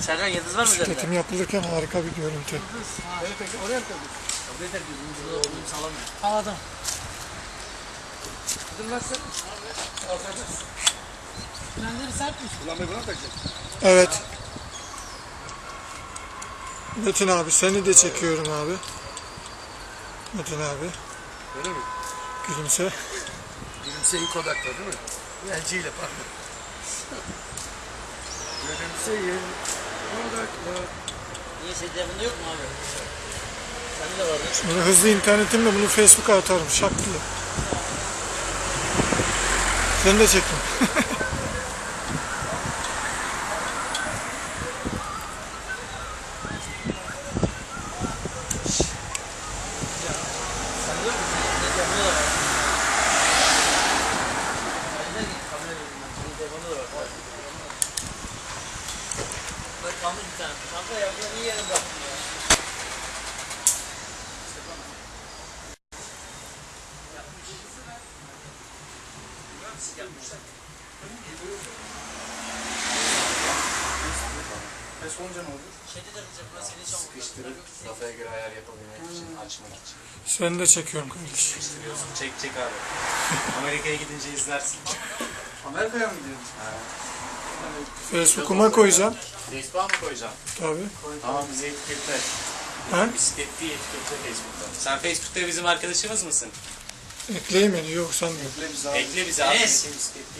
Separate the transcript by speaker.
Speaker 1: Sercan yıldız var mı üzerinde?
Speaker 2: Çekim yapılırken harika bir görüntü.
Speaker 3: Evet peki oraya mı koydun?
Speaker 1: Kabul eder gözümün burada olduğunu sağlamıyor.
Speaker 3: Anladım. Kırmazsın. Alacağız. Frenleri sertmiş. Ulan ben buna takacağım.
Speaker 2: Evet. Metin abi seni de çekiyorum abi. Metin abi.
Speaker 3: Öyle mi?
Speaker 2: Gülümse.
Speaker 3: Gülümseyin Kodak'ta değil mi? Elciyle pardon. Gülümseyin Kodak'ta.
Speaker 1: Niye senin telefonda yok mu abi? Sende de vardı.
Speaker 2: Böyle hızlı internetimle bunu Facebook'a atarım şak diye. Seni de çektim.
Speaker 1: Sende yok mu? Senin telefonda da var. Sende de kamera vereyim ben. Senin telefonda da var. Bak kalmış bir tane. Kanka ya bunu iyi yere bıraktım ya.
Speaker 3: Pes olunca ne olur?
Speaker 1: Şeyde de kılacak burası senin çabuk.
Speaker 4: Sıkıştırıp kafaya göre ayar yapabilmek için, açmak için.
Speaker 2: Seni de çekiyorum kardeşim.
Speaker 4: Sıkıştırıyorsun, çek abi. Amerika'ya gidince izlersin.
Speaker 3: Amerika'ya mı gidiyorsun?
Speaker 2: Facebook'uma koyacağım.
Speaker 4: Facebook'a mı koyacaksın?
Speaker 2: Tabii.
Speaker 4: Tamam, bizi etiketle.
Speaker 2: Ha?
Speaker 4: Bisiklet değil, etiketle Facebook'ta. Sen Facebook'ta bizim arkadaşımız mısın?
Speaker 2: Ekleyeyim beni. Yok sen de.
Speaker 4: Ekle bizi abi.
Speaker 1: Enes.
Speaker 4: Bisiklet